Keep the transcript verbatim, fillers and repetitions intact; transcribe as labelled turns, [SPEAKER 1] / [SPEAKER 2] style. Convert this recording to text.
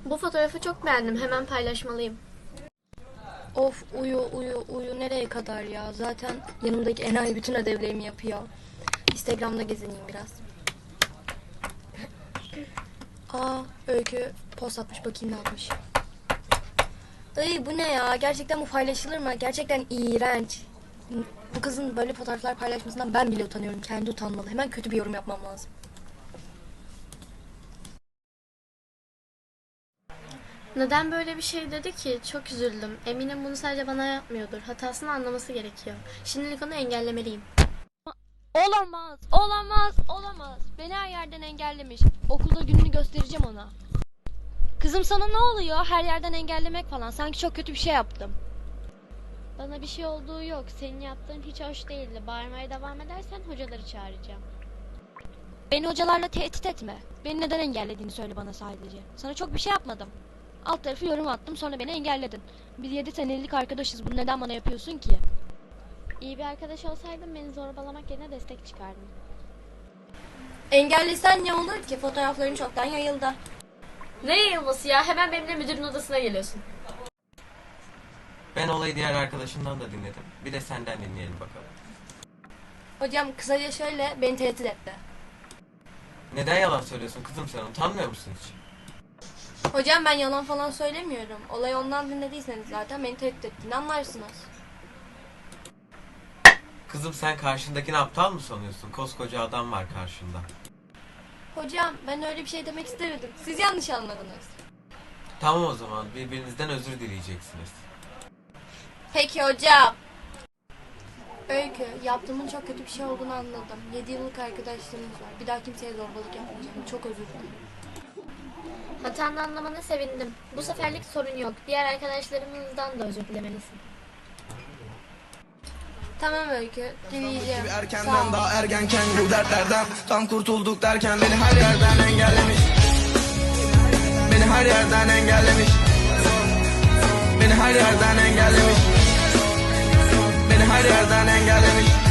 [SPEAKER 1] Bu fotoğrafı çok beğendim. Hemen paylaşmalıyım.
[SPEAKER 2] Of uyu uyu uyu nereye kadar ya? Zaten yanımdaki enayi bütün ödevlerimi yapıyor. Instagram'da gezineyim biraz. Aa Öykü post atmış, bakayım ne atmış. Ay bu ne ya? Gerçekten bu paylaşılır mı? Gerçekten iğrenç. Bu kızın böyle fotoğraflar paylaşmasından ben bile utanıyorum. Kendi utanmalı. Hemen kötü bir yorum yapmam lazım.
[SPEAKER 1] Neden böyle bir şey dedi ki? Çok üzüldüm. Eminim bunu sadece bana yapmıyordur. Hatasını anlaması gerekiyor. Şimdilik onu engellemeliyim.
[SPEAKER 3] Olamaz, olamaz, olamaz. Beni her yerden engellemiş. Okulda gününü göstereceğim ona. Kızım sana ne oluyor? Her yerden engellemek falan. Sanki çok kötü bir şey yaptım.
[SPEAKER 4] Bana bir şey olduğu yok. Senin yaptığın hiç hoş değildi. Bağırmaya devam edersen hocaları çağıracağım.
[SPEAKER 3] Beni hocalarla tehdit etme. Beni neden engellediğini söyle bana sadece. Sana çok bir şey yapmadım. Alt tarafı yorum attım, sonra beni engelledin. Biz yedi senelik arkadaşız. Bunu neden bana yapıyorsun ki?
[SPEAKER 4] İyi bir arkadaş olsaydın beni zorbalamak yerine destek çıkardın.
[SPEAKER 2] Engellesen ne olur ki? Fotoğrafların çoktan yayıldı.
[SPEAKER 1] Ne yayılması ya? Hemen benimle müdürün odasına geliyorsun.
[SPEAKER 5] Ben olayı diğer arkadaşımdan da dinledim. Bir de senden dinleyelim bakalım.
[SPEAKER 2] Hocam kısaca şöyle, beni tehdit etti.
[SPEAKER 5] Neden yalan söylüyorsun kızım sen? Utanmıyor musun hiç?
[SPEAKER 2] Hocam ben yalan falan söylemiyorum. Olayı ondan dinlediyseniz zaten beni tehdit ettiğini anlarsınız.
[SPEAKER 5] Kızım sen karşındakini aptal mı sanıyorsun? Koskoca adam var karşında.
[SPEAKER 2] Hocam ben öyle bir şey demek istemedim. Siz yanlış anladınız.
[SPEAKER 5] Tamam o zaman birbirinizden özür dileyeceksiniz.
[SPEAKER 2] Peki hocam. Öykü, yaptığımın çok kötü bir şey olduğunu anladım. Yedi yıllık arkadaşlığımız var. Bir daha kimseye zorbalık yapmayacağım. Çok özür dilerim.
[SPEAKER 1] Hatanı anlamana sevindim. Bu seferlik sorun yok. Diğer arkadaşlarımızdan da özür dilemelisin.
[SPEAKER 2] Tamam Öykü, dileyeceğim. Sağ
[SPEAKER 6] Erkenden
[SPEAKER 2] ol.
[SPEAKER 6] daha ergenken bu dertlerden tam kurtulduk derken beni her yerden engellemiş. Beni her yerden engellemiş. Beni her yerden engellemiş. Beni her yerden engellemiş.